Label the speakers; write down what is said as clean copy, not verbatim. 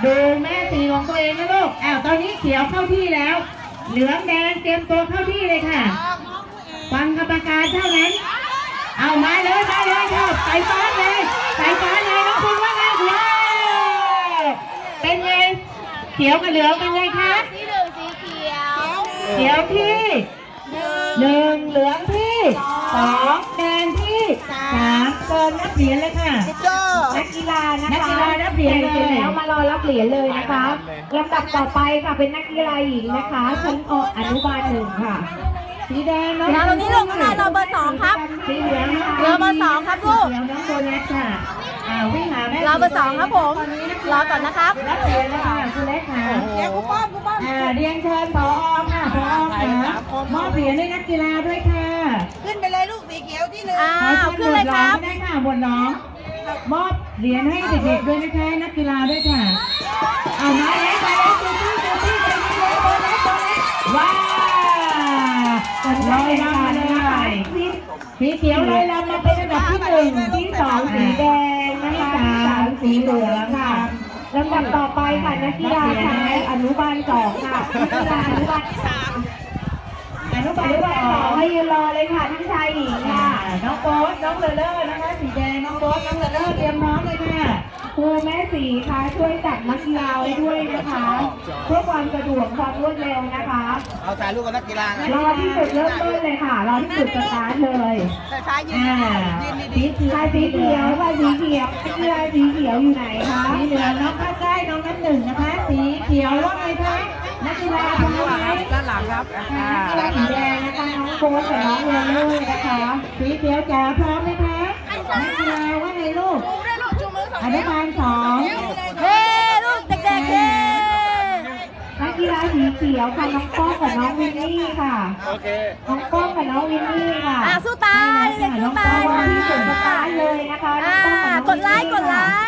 Speaker 1: ดูแม่สีของตัวเองนะลูกตอนนี้เขียวเข้าที่แล้ว เหลืองแดงเตรียมตัวเข้าที่เลยค่ะฟังกรรมการเท่านั้นเอามาเลยครับใส่ฟ้าเลยน้องคุณว่าไงว้าวเป็นไงเขียวกับเหลืองเป็นไงคะ
Speaker 2: สีเหลืองสีเขียว
Speaker 1: เขียวที่1เหลืองที่2แดงที่3เกินนับเหรียญเลยค่ะ
Speaker 3: นักกีฬานะคะ
Speaker 1: นักกีฬานับเหรียญเลย
Speaker 3: แล้วมารอรับเหรียญเลยนะคะลำดับต่อไปค่ะเป็นนักกีฬาหญิงนะคะชั้นอนุบาล1ค่ะ
Speaker 1: สีแดงน้อง
Speaker 2: ตรงนี้ลงข้างในเราเบอร์2ครับ
Speaker 1: สีเหลืองนะคะ
Speaker 2: เราเบอร์2ครับลูก
Speaker 1: เขียวน้องโบนัสค่ะวิ่งหาแม่
Speaker 2: เราเบอร์2ครับผมรอก่อนนะครับ
Speaker 1: รับเหรียญเลยค่ะคุณเล็กค่ะเดี๋ยวคุณป้อมเรียนเชิญผอค่ะผอค่ะมอบเหรียญให้นักกีฬาด้วยค่ะ
Speaker 4: ขึ้นไปเลยลูกสีเขียวที่หนึ่ง
Speaker 2: ขึ้นเลยครับ
Speaker 1: ได้ค่ะบนน้องมอบเหรียญให้เด็กๆด้วยนะคะนักกีฬาด้วยค่ะเอามาแล้วจูตี้ว้าวลอยลำมาเลยสีเขียวลอยลำมาเป็นอันดับที่1ที่2สีแดงนะคะที่3สีเหลืองค่ะ
Speaker 3: ลำดับต่อไปค่ะนักกีฬาชายอนุบาล2ค่ะนักกีฬาอนุบาล2ให้ยืนรอเลยค่ะทั้งชายหญิงค่ะ
Speaker 1: น้องโบ๊ทน้องเลอร์นะคะสีแดงน้องโบ๊ทน้องเลอร์เตรียมพร้อมเลยค่ะ
Speaker 3: ครูแม่สีค่ะช่วยจัดนักกีฬาไว้ด้วยนะคะเพื่อความสะดวกความรวดเร็วนะคะ
Speaker 4: เอาถ่ายรูปกับนักกีฬาไง
Speaker 3: รอที่จุดเริ่มต้นเลยค่ะรอที่จุดสตาร์ทเลย
Speaker 4: ไฟฟ้ายืนดี
Speaker 3: ชายสีเขียวค่ะสีเขียวนักกีฬาสีเขียวอยู่ไหนคะ
Speaker 1: สีเหลืองน้องข้าใกล้น้องน้ำหนึ่งนะคะสีเขียวว่าไงคะนักกีฬาพร้อมไหม
Speaker 4: ด้านหลังครับ
Speaker 3: สีแดงนะคะน้องโบ๊ทกับน้องเลเวอร์นะคะ
Speaker 1: สีเขียวจ๋าพร้อมไหมคะนักกีฬาว่าไงลูกอนุบาล2
Speaker 2: เฮ้ลูกเด็กๆเฮ้
Speaker 3: นักกีฬาสีเขียวค่ะน้องป้องกับน้องวินนี่ค่ะ
Speaker 4: โอเค
Speaker 3: น้องป้องกับน้องวินนี่ค่ะ
Speaker 2: สู้ตายเด็กสู้ตาย
Speaker 3: รอ
Speaker 2: ค่ะ
Speaker 3: ที่จุดสตาร์ทเลยนะคะน้องป้องกับน้องวินนี่
Speaker 2: กดไลค์